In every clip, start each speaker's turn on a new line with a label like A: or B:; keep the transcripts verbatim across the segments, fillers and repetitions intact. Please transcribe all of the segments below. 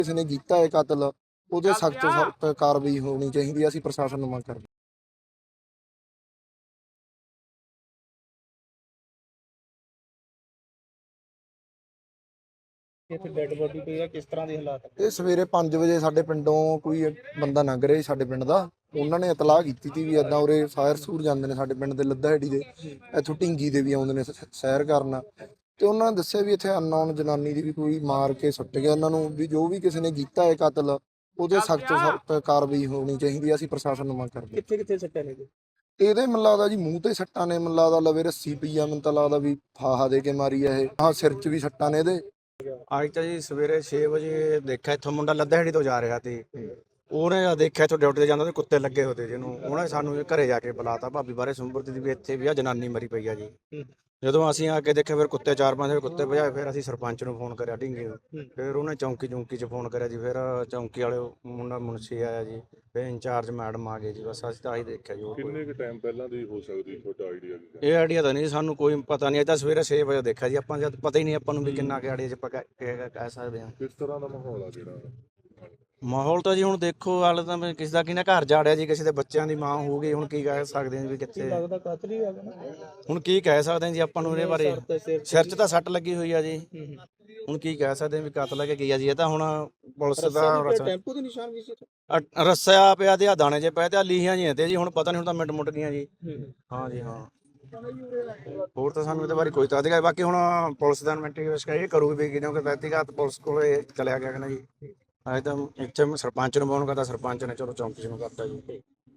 A: ਕਿਸੇ ਨੇ ਕੀਤਾ ਹੈ ਕਤਲ ਉਹਦੇ ਸਖਤ ਤੋਂ ਸਖਤ ਕਾਰਵਾਈ ਹੋਣੀ ਚਾਹੀਦੀ ਹੈ। ਅਸੀਂ ਪ੍ਰਸ਼ਾਸਨ ਨੂੰ ਮੰਗ ਕਰਦੇ
B: ਇੱਥੇ ਡੈੱਡ ਬੋਡੀ ਪਈ ਆ, ਕਿਸ ਤਰ੍ਹਾਂ ਦੇ ਹਾਲਾਤ
A: ਇਹ ਸਵੇਰੇ ਪੰਜ ਵਜੇ ਸਾਡੇ ਪਿੰਡੋਂ ਕੋਈ ਬੰਦਾ ਲੰਘ ਰਿਹਾ ਸੀ ਸਾਡੇ ਪਿੰਡ ਦਾ। ਉਹਨਾਂ ਨੇ ਇਤਲਾਹ ਕੀਤੀ ਸੀ ਵੀ ਇੱਦਾਂ ਉਰੇ ਸਾਇਰ ਸੂਰ ਜਾਂਦੇ ਨੇ ਸਾਡੇ ਪਿੰਡ ਦੇ ਲੱਦਾਹੇੜੀ ਦੇ, ਇੱਥੋਂ ਢਿੰਗੀ ਦੇ ਵੀ ਆਉਂਦੇ ਨੇ ਸ- ਸੈਰ ਕਰਨ। ਤੇ ਉਹਨਾਂ ਨੇ ਦੱਸਿਆ ਵੀ ਇੱਥੇ ਅਨਨੋਨ ਜਨਾਨੀ ਦੀ ਵੀ ਕੋਈ ਮਾਰ ਕੇ ਸੁੱਟ ਗਿਆ ਉਹਨਾਂ ਨੂੰ, ਵੀ ਜੋ ਵੀ ਕਿਸੇ ਨੇ ਕੀਤਾ ਹੈ ਕਤਲ ਉਹਦੇ ਸਖਤ ਤੋਂ ਸਖਤ ਕਾਰਵਾਈ ਹੋਣੀ ਚਾਹੀਦੀ ਹੈ। ਅਸੀਂ ਪ੍ਰਸ਼ਾਸਨ ਨੂੰ ਮੰਗ ਕਰਦੇ
B: ਕਿੱਥੇ ਕਿੱਥੇ ਸੱਟਾਂ ਨੇ ਜੀ?
A: ਇਹਦੇ ਮੈਨੂੰ ਲੱਗਦਾ ਜੀ ਮੂੰਹ ਤੇ ਸੱਟਾਂ ਨੇ, ਮੈਨੂੰ ਲੱਗਦਾ ਲਵੇ ਰੱਸੀ ਪਈ ਆ, ਮੈਨੂੰ ਤਾਂ ਲੱਗਦਾ ਵੀ ਫਾਹਾ ਦੇ ਕੇ ਮਾਰੀ ਆ ਇਹ। ਹਾਂ ਸਿਰ 'ਚ ਵੀ ਸੱਟਾਂ ਨੇ ਇਹਦੇ।
C: ਅੱਜ ਤਾਂ ਜੀ ਸਵੇਰੇ ਛੇ ਵਜੇ ਦੇਖਿਆ ਇੱਥੋਂ ਮੁੰਡਾ ਲੱਦਾਹੇੜੀ ਤੋਂ ਜਾ ਰਿਹਾ ਸੀ। ਉਹਨੇ ਦੇਖਿਆ ਇੱਥੋਂ ਡਿਊਟੀ ਤੇ ਜਾਂਦਾ ਤੇ ਕੁੱਤੇ ਲੱਗੇ ਹੋਤੇ ਜਿਹਨੂੰ, ਉਹਨੇ ਸਾਨੂੰ ਘਰੇ ਜਾ ਕੇ ਬੁਲਾਤਾ ਭਾਬੀ ਬਾਰੇ ਸੁੰਬਰ ਦੀ ਵੀ ਇੱਥੇ ਵੀ ਆ ਜਨਾਨੀ ਮਰੀ ਪਈ ਆ ਜੀ। ਜਦੋਂ ਅਸੀਂ ਆ ਕੇ ਦੇਖਿਆ ਫਿਰ ਕੁੱਤੇ ਚਾਰ ਪੰਜ ਕੁੱਤੇ ਭਜਾਏ, ਫਿਰ ਅਸੀਂ ਸਰਪੰਚ ਨੂੰ ਫੋਨ ਕਰਿਆ ਢਿੰਗੇ ਨੂੰ, ਫਿਰ ਉਹਨੇ ਚੌਂਕੀ ਚੌਂਕੀ 'ਚ ਫੋਨ ਕਰਿਆ ਜੀ, ਫਿਰ ਚੌਂਕੀ ਵਾਲੇ ਮੁੰਡਾ ਮੁਨਸੀ ਆਇਆ ਜੀ, ਫਿਰ ਇੰਚਾਰਜ ਮੈਡਮ ਆ ਗਏ ਜੀ। ਬਸ ਅਸੀਂ ਤਾਂ ਆਹੀ ਦੇਖਿਆ ਜੀ।
D: ਕਿੰਨੇ ਕੁ ਟਾਈਮ ਪਹਿਲਾਂ ਦੀ ਹੋ ਸਕਦੀ ਤੁਹਾਡਾ ਆਈਡੀਆ ਕੀ?
C: ਇਹ ਆਈਡੀਆ ਤਾਂ ਨਹੀਂ ਸਾਨੂੰ ਕੋਈ ਪਤਾ ਨਹੀਂ, ਇਹ ਤਾਂ ਸਵੇਰੇ ਛੇ ਵਜੇ ਦੇਖਿਆ ਜੀ ਆਪਾਂ, ਜਦ ਪਤਾ ਹੀ ਨਹੀਂ ਆਪਾਂ ਨੂੰ ਵੀ ਕਿੰਨਾ ਕਿ ਆਈਡੀਆ 'ਚ ਆਪਾਂ ਕਹਿ ਕਹਿ ਸਕਦੇ ਹਾਂ।
D: ਕਿਸ ਤਰ੍ਹਾਂ ਦਾ ਮਾਹੌਲ ਆ ਜਿਹੜਾ?
C: ਮਾਹੌਲ ਤਾਂ ਜੀ ਹੁਣ ਦੇਖੋ, ਹਾਲੇ ਤਾਂ ਮੈਂ ਕਿਸੇ ਦਾ ਕਿਹਨੇ ਘਰ ਜਾੜਿਆ ਜੀ, ਕਿਸੇ ਦੇ ਬੱਚਿਆਂ ਦੀ ਮਾਂ ਹੋ ਗਈ, ਹੁਣ ਕੀ ਕਹਿ ਸਕਦੇ ਹਾਂ ਵੀ ਕਿੱਥੇ।
B: ਲੱਗਦਾ ਕਾਤਲ ਹੀ ਆ ਗਿਆ ਨਾ।
C: ਹੁਣ ਕੀ ਕਹਿ ਸਕਦੇ ਹਾਂ ਜੀ ਆਪਾਂ ਨੂੰ ਇਹਦੇ ਬਾਰੇ। ਸਿਰ 'ਚ ਤਾਂ ਸੱਟ ਲੱਗੀ ਹੋਈ ਆ ਜੀ, ਹੁਣ ਕੀ ਕਹਿ ਸਕਦੇ ਹਾਂ ਵੀ ਕਤਲ ਹੈ ਕਿ ਕੀ ਆ ਜੀ। ਇਹ ਤਾਂ ਹੁਣ ਪੁਲਿਸ ਦਾ
B: ਟੈਂਪੂ ਦੇ ਨਿਸ਼ਾਨ ਵੀ ਸੀ।
C: ਅ- ਰੱਸਿਆ ਪਿਆ ਤੇ ਆ ਦਾਣੇ ਜੇ ਪਏ ਤੇ ਆ ਲੀਹਾਂ ਜੀਆਂ ਤੇ ਜੀ, ਹੁਣ ਪਤਾ ਨਹੀਂ ਹੁਣ ਤਾਂ ਮਿੰਟ ਮੁੱਟ ਗਈਆਂ ਜੀ। ਹਾਂ ਜੀ ਹਾਂ, ਹੋਰ ਤਾਂ ਸਾਨੂੰ ਇਹਦੇ ਬਾਰੇ ਕੋਈ ਤਾਂ ਅਧਿਕਾਰ। ਬਾਕੀ ਹੁਣ ਪੁਲਿਸ ਦਾ ਇਨਵੈਸਟੀਗੇਸ਼ਨ ਇਹ ਕਰੂਗੀ ਵੀ ਕਿਉਂਕਿ ਵਿਅਕਤੀਗਤ ਪੁਲਿਸ ਕੋਲੇ ਚਲਿਆ ਗਿਆ ਕਿ ਨਾ ਜੀ। ਅੱਜ ਤਾਂ ਇੱਥੇ ਮੈਂ ਸਰਪੰਚ ਨੂੰ ਫੋਨ ਕਰਤਾ, ਸਰਪੰਚ ਨੇ ਚਲੋ ਚੌਂਕੀ ਨੂੰ ਕਰਤਾ ਜੀ।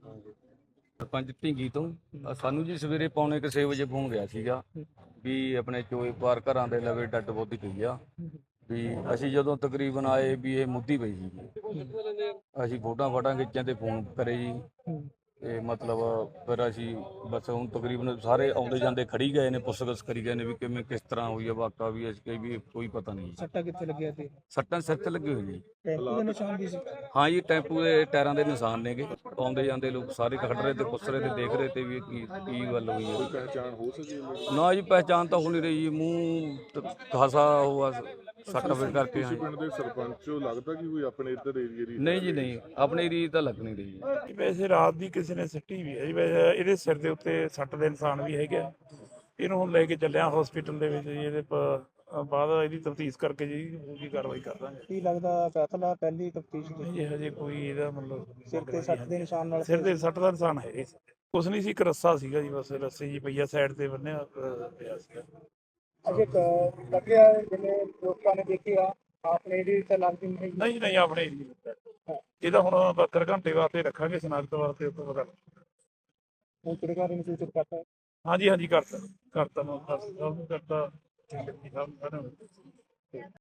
E: ਸਰਪੰਚ ਢਿੰਗੀ ਤੋਂ ਅ ਸਾਨੂੰ ਜੀ ਸਵੇਰੇ ਪੌਣੇ ਕੁ ਛੇ ਵਜੇ ਫੋਨ ਗਿਆ ਸੀਗਾ ਵੀ ਆਪਣੇ ਚੋਏ ਪਾਰ ਘਰਾਂ ਦੇ ਲਵੇ ਡੱਡ ਬੋਦੀ ਪਈ ਆ। ਵੀ ਅਸੀਂ ਜਦੋਂ ਤਕਰੀਬਨ ਆਏ ਵੀ ਇਹ ਮੁੱਦੀ ਪਈ ਸੀ। ਅਸੀਂ ਫੋਟੋਆਂ ਫਾਟਾਂ ਖਿੱਚਾਂ ਤੇ ਫੋਨ ਕਰੇ ਜੀ, ਤੇ ਮਤਲਬ ਫਿਰ ਅਸੀਂ ਬਸ ਹੁਣ ਤਕਰੀਬਨ ਸਾਰੇ ਆਉਂਦੇ ਜਾਂਦੇ ਖੜੀ ਗਏ ਨੇ, ਪੁੱਛਗਿੱਛ ਕਰੀ ਗਏ ਨੇ ਵੀ ਕਿਵੇਂ ਕਿਸ ਤਰ੍ਹਾਂ ਹੋਈ ਆ ਵਾਕਾ, ਵੀ ਅਸੀਂ ਕਹੀ ਵੀ ਕੋਈ ਪਤਾ ਨਹੀਂ।
B: ਸੱਟਾਂ ਕਿੱਥੇ ਲੱਗਿਆ ਤੇ?
E: ਸੱਟਾਂ ਸਿਰ ਤੇ ਲੱਗੀ ਹੋਈ ਜੀ।
B: ਟੈਂਪੂ ਦੇ ਨਿਸ਼ਾਨ ਵੀ ਸੀ।
E: ਹਾਂ ਜੀ, ਟੈਂਪੂ ਦੇ ਟਾਇਰਾਂ ਦੇ ਨਿਸ਼ਾਨ ਨੇਗੇ। ਆਉਂਦੇ ਜਾਂਦੇ ਲੋਕ ਸਾਰੇ ਖੜ ਰਹੇ ਤੇ ਪੁੱਛ ਰਹੇ ਤੇ ਦੇਖ ਰਹੇ ਤੇ ਵੀ ਕੀ ਕੀ ਗੱਲ ਹੋਈ ਹੈ।
D: ਪਹਿਚਾਣ ਹੋ ਸਕੀ?
E: ਨਾ ਜੀ ਪਹਿਚਾਣ ਤਾਂ ਹੋ ਨਹੀਂ ਰਹੀ ਜੀ, ਮੂੰਹ ਖਾਸਾ ਹੋਆ ਸੱਟ ਵੇ ਕਰਕੇ।
D: ਤੁਸੀਂ ਪਿੰਡ ਦੇ ਸਰਪੰਚ ਹੋ, ਲੱਗਦਾ ਕਿ ਕੋਈ ਆਪਣੇ ਇੱਧਰ ਏਰੀਏ ਦੀ?
E: ਨਹੀਂ ਜੀ ਨਹੀਂ, ਆਪਣੀ ਰੀਤ ਤਾਂ ਲੱਗ ਨਹੀਂ ਰਹੀ ਜੀ।
F: ਵੈਸੇ ਰਾਤ ਦੀ ਕਿਸੇ ਨੇ ਸੱਟੀ ਵੀ ਹੈ ਜੀ। ਵੈਸੇ ਇਹਦੇ ਸਿਰ ਦੇ ਉੱਤੇ ਸੱਟ ਦੇ ਨਿਸ਼ਾਨ ਵੀ ਹੈਗੇ ਆ। ਇਹਨੂੰ ਹੁਣ ਲੈ ਕੇ ਚੱਲਿਆ ਹਸਪੀਟਲ ਦੇ ਵਿੱਚ ਜੀ। ਇਹਦੇ ਪ- ਬਾਅਦ ਇਹਦੀ ਤਫਤੀਸ਼ ਕਰਕੇ ਜੀ ਪੂਰੀ ਕਾਰਵਾਈ ਕਰ ਦਾਂਗੇ।
B: ਕੀ ਲੱਗਦਾ ਕਾਤਲ ਆ? ਪਹਿਲੀ ਤਫਤੀਸ਼
F: ਨਹੀਂ ਜੀ ਹਜੇ ਕੋਈ ਇਹਦਾ ਮਤਲਬ
B: ਸਿਰ ਤੇ ਸੱਟ ਦੇ ਨਿਸ਼ਾਨ ਨਾਲ
F: ਸਿਰ ਦੇ ਸੱਟ ਦਾ ਨਿਸ਼ਾਨ ਹੈ ਇਸ ਕੁਛ ਨਹੀਂ ਸੀ, ਇੱਕ ਰੱਸਾ ਸੀਗਾ ਜੀ, ਬਸ ਰੱਸੇ ਜੀ ਪਈਆ ਸਾਈਡ ਤੇ ਬੰਨਿਆ ਅ, ਪਿਆ ਸੀਗਾ।
B: ਅਜੇ ਲੱਗਿਆ ਜਿਵੇਂ ਲੋਕਾਂ ਨੇ ਦੇਖਿਆ ਆਪਣੇ ਦੀ ਤਾਂ ਲੱਗਦੀ ਨਹੀਂ।
F: ਨਹੀਂ ਜੀ ਨਹੀਂ, ਆਪਣੇ ਏਰੀਏ ਵਿੱਚ ਇਹਦਾ ਹੁਣ ਬਹੱਤਰ ਘੰਟੇ ਵਾਸਤੇ ਰੱਖਾਂਗੇ ਸਨਾਖਤ ਵਾਸਤੇ ਉੱਪਰ ਪਤਾ।
B: ਹੁਣ ਕਿਹੜੇ ਨੂੰ ਸੂਚਿਤ ਕਰਤਾ?
F: ਹਾਂਜੀ ਹਾਂਜੀ ਕਰਤਾ ਕਰਤਾ ਮੈਂ ਕਰਤਾ ਠੀਕ ਹੈ ਜੀ ਸਭ ਸਾਰਿਆਂ ਨੂੰ।